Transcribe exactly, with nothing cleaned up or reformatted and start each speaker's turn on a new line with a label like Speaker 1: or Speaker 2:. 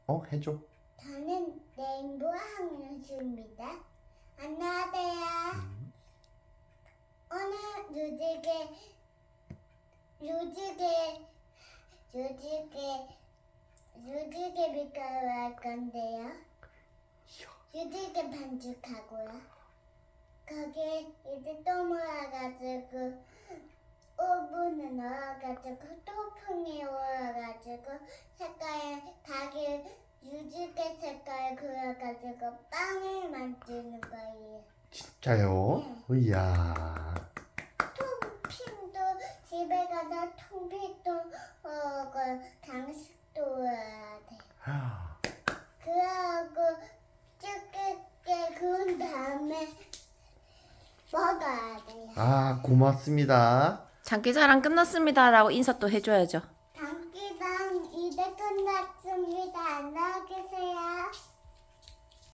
Speaker 1: 어, 해줘.
Speaker 2: 저는 레인보우 학년수입니다. 안녕하세요.
Speaker 1: 음.
Speaker 2: 오늘 요지개, 요지개, 요지개, 요지개 밀가루 할 건데요. 요지개 반죽하고요. 거기에 이제 또 모아가지고 오븐에 넣어가지고 토핑에 올려가지고 색깔 닭이 유지개 색깔 그려가지고 빵을 만드는 거예요.
Speaker 1: 진짜요?
Speaker 2: 네.
Speaker 1: 이야.
Speaker 2: 토핑도 집에 가서 토핑도 어, 그 장식도 해야 돼. 그러고 쭈게 구운 다음에 먹어야 돼요.
Speaker 1: 아, 고맙습니다.
Speaker 3: 장기자랑 끝났습니다라고 인사 또 해줘야죠.
Speaker 2: 장기방 이제 끝났습니다.